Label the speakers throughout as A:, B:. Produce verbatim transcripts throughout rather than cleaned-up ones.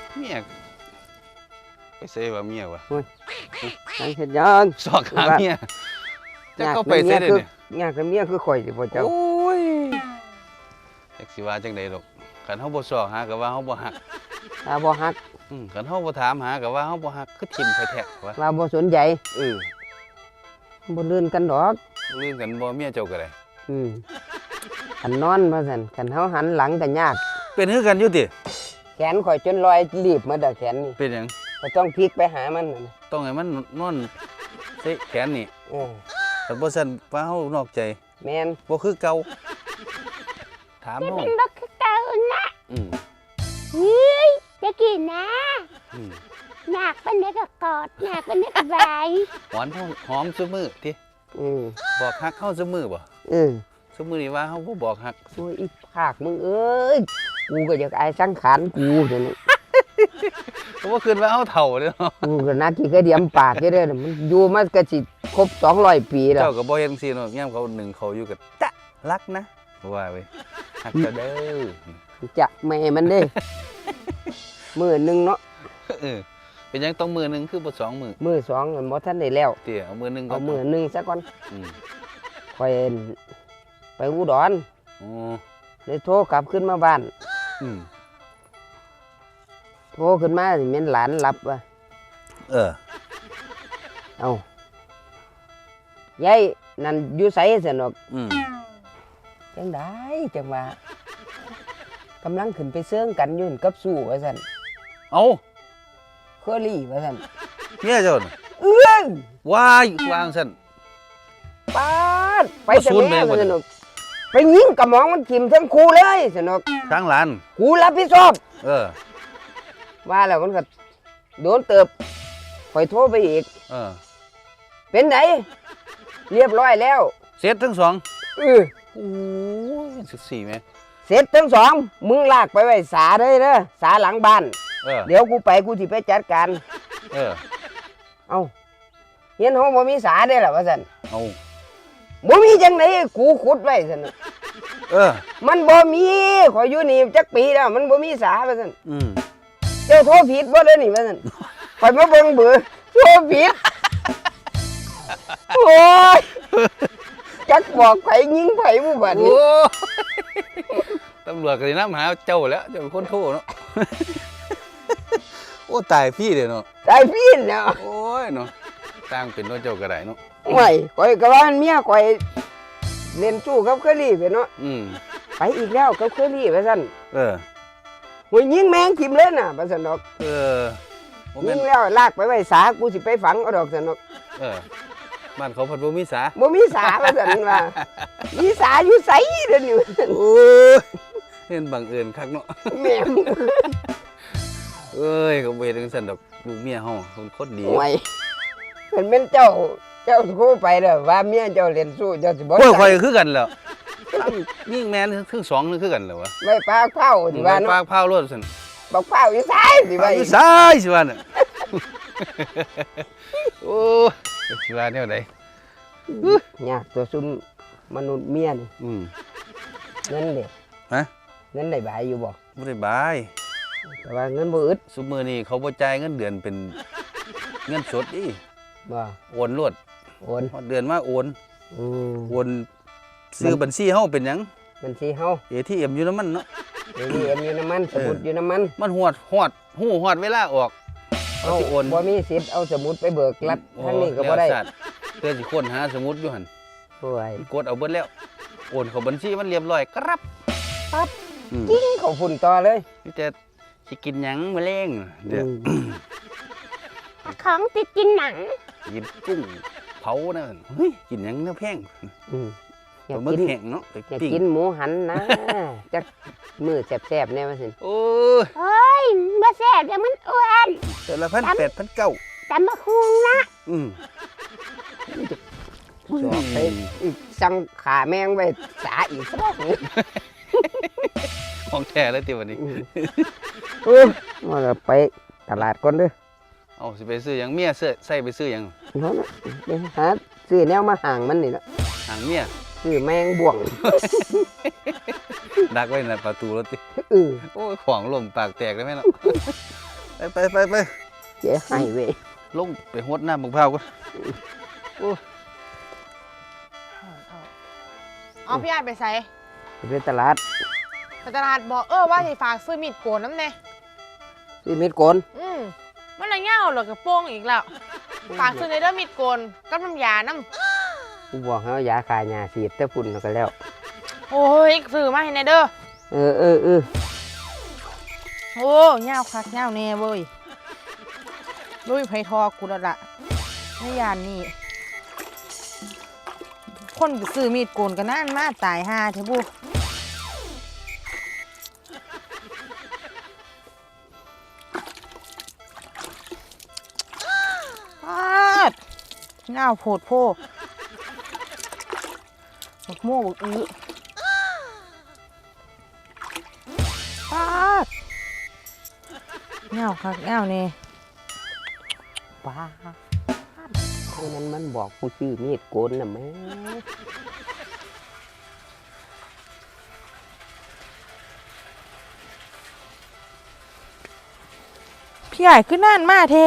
A: เมียไปเซ่ว่าเมียวะ
B: นั่งเห็นยัง
A: สอกหาเมียจะเข้าไปเซ่เลยเนี่ย
B: งานกับเมียคือข่อยสิพ่อเจ้า
A: โอ้ยจักสิว่าจังใดดอกคันเฮาบ่สอกหาก็ว่าเฮาบ่ฮัก
B: ว่าบ่ฮัก
A: อืมคันเฮาบ่ถามหาก็ว่าเฮาบ่ฮักคือทิ่มแท้ๆวะ
B: ว่าบ่สนใจ
A: เออ
B: บ่ลื่นกันดอก
A: ลืมกันบ่เมียเจ้าก็ได้
B: อืมคันนอนว่าซั่นคันเฮาหันหลังก็ยาก
A: เป็นคือกันอยู่ติ
B: แขนข่อยจนลอยรีบมาดอกแขนนี่
A: เป็นหยัง
B: ก็ต้องพลิกไปหามัน
A: ต้องให้มันนอนเซ่แขนนี่
B: เออ
A: แต่บ่ซั่นว่าเฮานอกใจ
B: แม่น
A: บ่คือเก่าถามเฮา
C: มันบ่คือเก่านะ
A: อืม
C: เฮ้ยจะกินนะ
A: อืม
C: อยากเป็นเด็กก็กอดอยากเป็นเด็กก็บาย
A: หวานหอมซุมื้อติ
B: อืม
A: บอกฮักเฮาซุมื้อบ่
B: เออ
A: ซุมื้อนี่ว่าเฮาบ่บอกฮัก
B: โอ้ยอีภาคมึงเอ้ยกูก็อยากอายสังขารกูเดี๋ยวนี้
A: เพราะว่าคืนว่าเฮาเฒ่าเด้อ
B: กูก็นักกี่กระเดียมปากอยู่เด้อมันอยู่มาก็สิครบสองร้อยปีแล้ว
A: เจ้าก็บ่เฮ็ดจังซี่เนาะยามเขาหนึ่งเขาอยู่ก็ตะรักนะว่าเว้ยฮักเจ้าเด้อ
B: จะแม่มันเด้มื้อนึงเนาะ
A: เออเป็นหยังต้องมื้อนึงคือบ่สองมื้อ
B: มื้อสองบ่ทันได้แล้ว
A: เตี้ยเอามื้อนึง
B: เอามื้อนึงซะก่อน
A: อืม
B: ค่อยไปอุดร
A: อ๋อ
B: เลยโทรกลับขึ้นมาบ้าน
A: อืม
B: โทรขึ้นมาสิแม่นหลานหลับว่ะ
A: เออ
B: เอ้ายายนั่นอยู่ไสซั่นดอก
A: อืม
B: จังได๋จังว่ากำลังขึ้นไปเซิงกันอยู่กับสู้ว่าซั่น
A: เอ้า
B: เคอรี่ว่าซั่น
A: เมียเจ้าน่ะ
B: เอื้อน
A: ว้ายวางซั่น
B: ปาดไปแต่แม่ว่าซั่นดอกไปยิงกระหม่อมมันทิ่มทั้งคู่เลยซั่นดอก
A: ทางหลาน
B: กูรับผิดชอบ
A: เออ
B: ว่าแล้วมันก็โดนเติบข่อยโทรไปอีก
A: เออ
B: เป็นไดเรียบร้อยแล้ว
A: เสร็จทั้งสอง
B: เออ
A: โอ้ยสิบสี่แม่
B: เสร็จทั้งสองมึงลากไปไว้ศาเลยเด้อศาหลังบ้าน
A: เออ
B: เดี๋ยวกูไปกูสิไปจัดการ
A: เออ
B: เอ้าเฮียนเฮาบ่มีศาเด้ล่ะว่าซั่น
A: เอ้า
B: บ่มีจังได๋กูขุดไว้ซั่น
A: เออ
B: มันบ่มีข่อยอยู่นี่จักปีแล้วมันบ่มีศาว่าซั่น
A: อืม
B: เจ้าโทรผิดบ่เด้อนี่ว่าซั่นข่อยมาเบิ่งเบอร์โทรผิดโอ้ยจักบอกไผยิงไผบ่บัดนี้
A: ตำรวจก็สินำหาเจ้าแล้วเจ้าเป็นคนโทรเนาะโอ้ตายพี่เด้เนาะ
B: ตายพี่เนาะ
A: โอ้ยเนาะสร้างเป็นเนาะเจ้าก็ได้เนาะ
B: ไม่ข่อยก็ว่าเมียข่อยเล่นสู้กับเคอรี่ไปเนาะ
A: อืม
B: ไปอีกแล้วกับเคอรี่ว่าซั่น
A: เออ
B: โหยิงแมงทิ่มเลยน่ะว่าซั่นดอก
A: เออ
B: ยิงแล้วลากไปไว้ศากูสิไปฝังเอาดอกซั่นดอก
A: เออบ้านเขาเพิ่นบ่มีศา
B: บ่มีศาว่าซั่นว่ามีศาอยู่ไสเด้อนี่
A: โอ้ยเห็นบังเอิญคักเนาะ
B: แม่
A: เอ้ยเขาบ่เฮ็ดจังซั่นดอกลูกเมียเฮาเพิ่นคนดี
B: โอ้ยเพิ่นเป็นเจ้าเจ้าโทรไปเด้อว่าเมียเจ้าเล่นสู้เจ้าสิบ่
A: โอ้ยข่อยคือกันแล้วยิ่งแม่นทั้งสองนึงคือกันแล้ววะ
B: ไว้ปากเผาสิว่าเนาะ
A: ปากเผาโลดซั่น
B: บักเผาอยู่ไสสิว่า
A: อยู่ไสสิว่าน่ะโอ้ยสิว่าแนวใด
B: ยากตัวซุ่มมนุษย์เมียนี่
A: อืม
B: เงินเด้
A: ฮะ
B: เงินได้บายอยู่บ่
A: บ่ได้บาย
B: แต่ว่าเงินบ่อึด
A: ซุมื้อนี้เขาบ่จ่ายเงินเดือนเป็นเงินสดอี
B: บ่
A: โอนรวด
B: โอน
A: เดือนมาโอน
B: อืม
A: โอนซื้อบัญชีเฮาเป็นหยัง
B: บัญชีเฮา
A: เอ ที เอ็ม อยู่นำมันเนาะ
B: เอ ที เอ็ม อยู่นำมันสมุดอยู่นำมัน
A: มันฮอดฮอดฮู้ฮอดเวลาออก
B: เอาสิโอนบ่มีสิทธิ์เอาสมุดไปเบิกรัฐทางนี้ก็บ่ได้
A: เพื่อสิค้นหาสมุดอยู่หั่น
B: โอ้ย
A: กดเอาเบิดแล้วโอนเข้าบัญชีมันเรียบร้อยครับ
B: ปั๊บกิ้งเข้าฝุ่นต่อเลย
A: นี่แต่สิกินหยังมื้อแลงเด้อ
C: ของติดกินหนัง
A: กินกุ้งเผานะเฮ้ยกินหยังแนวแพง
B: อืม
A: อยากกินแห้งเนาะ
B: อยากกินหมูหันนะจักมื้อแซ่บๆแน่ว่าซั่น
A: โอ้ย
C: เฮ้ยบ่แซ่บเดี๋ยวมันอ้วน
A: แต่ละพันแปดพันเก้า
C: ตำบักหุ่งนะ
A: อืม
B: สอบไปอีกสั่งขาแมงไปสาอีกซะ
A: ของแท้เลยติวันนี้
B: เออมาไปตลาดก่อนเด้อ
A: เอาสิไปซื้อหยังเมียเสื้อใส่ไปซื้อหยัง
B: เนาะไปหาซื้อแนวมาห่างมันนี่ล่ะ
A: ห่างเมีย
B: ซื้อแมงบ่วง
A: ดักไว้ในประตูรถติ
B: เออ
A: โอ้ยของล่มปากแตกได้มั้ยเนาะไปไปไปไป
B: เจ๊ให้เว้ย
A: ลงไปหดน้ำบักพร้าวก่อน
D: เอาพี่ไอ้ายไปใส่
B: ไปตลาด
D: ไปตลาดบอกเออว่าสิฝากซื้อมีดโกนน้ำแน่
B: ซื้อมีดโกน
D: อืมมันอะไรเง่าเหรอกระโปรงอีกแล้วฝากซื้อในเด้อมีดโกนกับน้ำยาน้
B: กูบอกให้เอายาคายาสีดแต่ฝุ่นเอาก็แล้ว
D: ำโอ้ยซื้อมาให้ในเด้อ
B: เออเออเออ
D: โอ้เง่าคักเง่าแน่เว้ยลุยไผทอกูแล้วล่ะในยานนี่คนไปซื้อมีดโกนกันนั่นมาตายห่าเถอะบุปาดเง่าโพดโพบักโม่บักอื้อปาดเง่าคักเง่าแน่
B: ป้าเพราะนั้นมันบอกกูซื้อมีดโกนน่ะแม่
D: พี่ใหญ่ขึ้นนั่นมาเท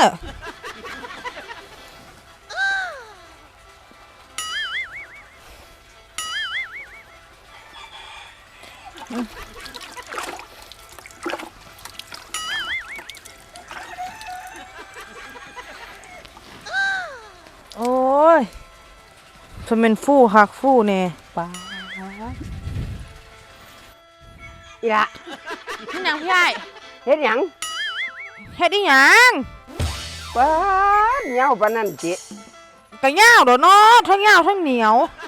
D: โอ้ยจะเป็นฟู่หักฟู่เน่
B: ป้าอีละ
D: นี่ยังพี่ใหญ่
B: เฮ็ดหยัง
D: เฮ็ดอีหยัง
B: ป้าดเหนียวปานนั้นจิ
D: กะย่าวเด้อเนาะทั้งย่าวทั้งเหนียว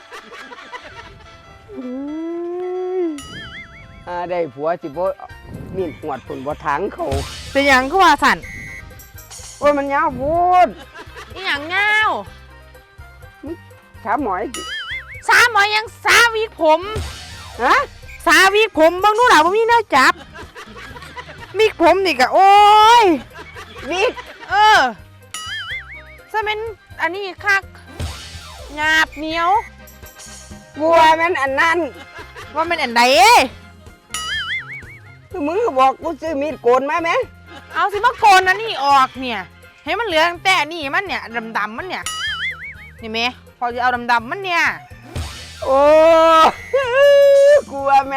B: อืมอ่าได้ผัวสิบ่มีดหวดฝุ่นบ่ถังเขา
D: เป็นหยังคือว่าสั่น
B: โอ้ยมันยาวพูด
D: อีหยังย่าว
B: ถามหมอยจิ
D: สาหมอยังสาวิกผม
B: ฮะ
D: สาวิกผมเบางดูหล่ะบ่มีแนวจับวิกผมนี่ก็โอ้ย
B: วิก
D: เออจะเป็นอันนี้คักหยาบเหนียว
B: บัวมันอันนั้น
D: ว่ามันอันใดเอ้ย
B: คือมึงก็บอกกูซื้อมีดโกนมาไหม
D: เอาสิมาโกนอันนี้ออกเนี่ย ให้มันเหลือตั้งแต่นี่มันเนี่ยดำๆมันเนี่ยนี่แม่พอจะเอาดำๆมันเนี่ย
B: โอ้กูว่ามัน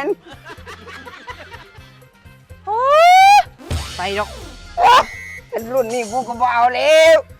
D: โอ้ยไปดอก
B: รุ่นนี้กูก็บ่เอาแล้ว